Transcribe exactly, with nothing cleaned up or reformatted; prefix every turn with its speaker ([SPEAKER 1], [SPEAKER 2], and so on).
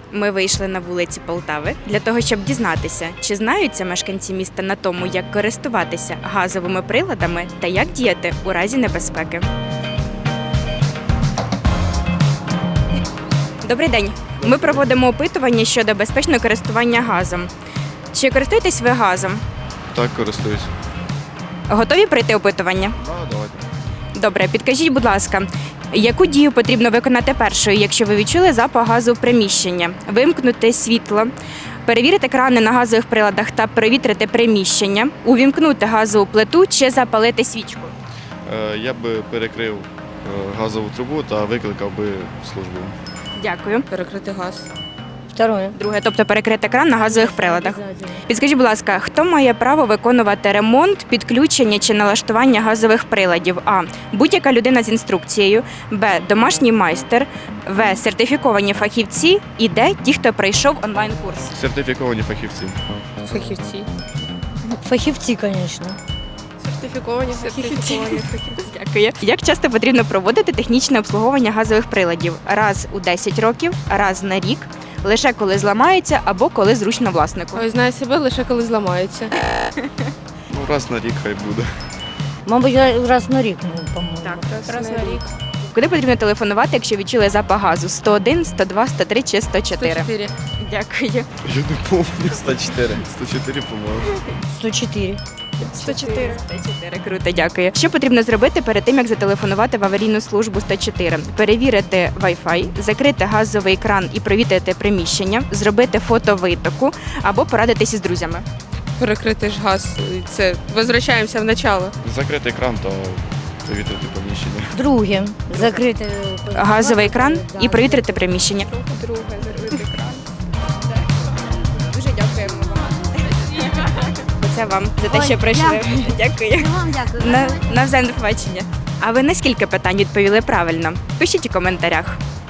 [SPEAKER 1] Ми вийшли на вулиці Полтави для того, щоб дізнатися, чи знаються мешканці міста на тому, як користуватися газовими приладами та як діяти у разі небезпеки. Добрий день. Ми проводимо опитування щодо безпечного користування газом. Чи користуєтесь ви газом?
[SPEAKER 2] Так, користуюсь.
[SPEAKER 1] Готові пройти опитування?
[SPEAKER 2] А, давайте.
[SPEAKER 1] Добре, підкажіть, будь ласка, яку дію потрібно виконати першою, якщо ви відчули запах газу в приміщенні? Вимкнути світло, перевірити крани на газових приладах та перевітрити приміщення, увімкнути газову плиту чи запалити свічку?
[SPEAKER 2] Е, я би перекрив е, газову трубу та викликав би службу.
[SPEAKER 1] Дякую.
[SPEAKER 3] Перекрити газ.
[SPEAKER 4] Второе.
[SPEAKER 1] Друге, тобто перекрити кран на газових приладах.
[SPEAKER 4] Обязательно.
[SPEAKER 1] Підскажіть, будь ласка, хто має право виконувати ремонт, підключення чи налаштування газових приладів? А. Будь-яка людина з інструкцією. Б. Домашній майстер. В. Сертифіковані фахівці. І Д. Ті, хто пройшов онлайн-курс.
[SPEAKER 2] Сертифіковані фахівці.
[SPEAKER 3] Фахівці.
[SPEAKER 4] Фахівці, звісно.
[SPEAKER 3] Сертифіковані, сертифіковані фахівці.
[SPEAKER 1] Дякую. Як часто потрібно проводити технічне обслуговування газових приладів? Раз у десять років, раз на рік, лише коли зламається або коли зручно власнику.
[SPEAKER 3] Ой, знаю себе лише коли зламаються.
[SPEAKER 2] Ну, раз на рік хай буде.
[SPEAKER 4] Мабуть, раз на рік, ну, по-моєму.
[SPEAKER 3] Раз на рік.
[SPEAKER 1] Куди потрібно телефонувати, якщо відчули запах газу? сто один, сто два, сто три чи сто чотири?
[SPEAKER 3] сто чотири.
[SPEAKER 1] Дякую.
[SPEAKER 2] Я не пам'ятаю. сто чотири. сто чотири, по-моєму.
[SPEAKER 4] сто чотири.
[SPEAKER 3] сто чотири.
[SPEAKER 1] сто чотири, круто, дякую. Що потрібно зробити перед тим, як зателефонувати в аварійну службу сто чотири? Перевірити Wi-Fi, закрити газовий кран і провітрити приміщення, зробити фото витоку або порадитися з друзями.
[SPEAKER 3] Перекрити ж газ. Це возвращаємося в начало.
[SPEAKER 2] Закрити кран та повітряти поміщення.
[SPEAKER 4] Друге. Закрити
[SPEAKER 1] Газовий кран
[SPEAKER 4] Да.
[SPEAKER 1] і провітрити приміщення.
[SPEAKER 3] Друге, закрити кран.
[SPEAKER 1] Дуже дякуємо вам. Це вам за те,
[SPEAKER 4] Ой,
[SPEAKER 1] що прийшли. Дякую.
[SPEAKER 4] Вам дякую.
[SPEAKER 1] На, на все, до побачення. А ви на скільки питань відповіли правильно? Пишіть у коментарях.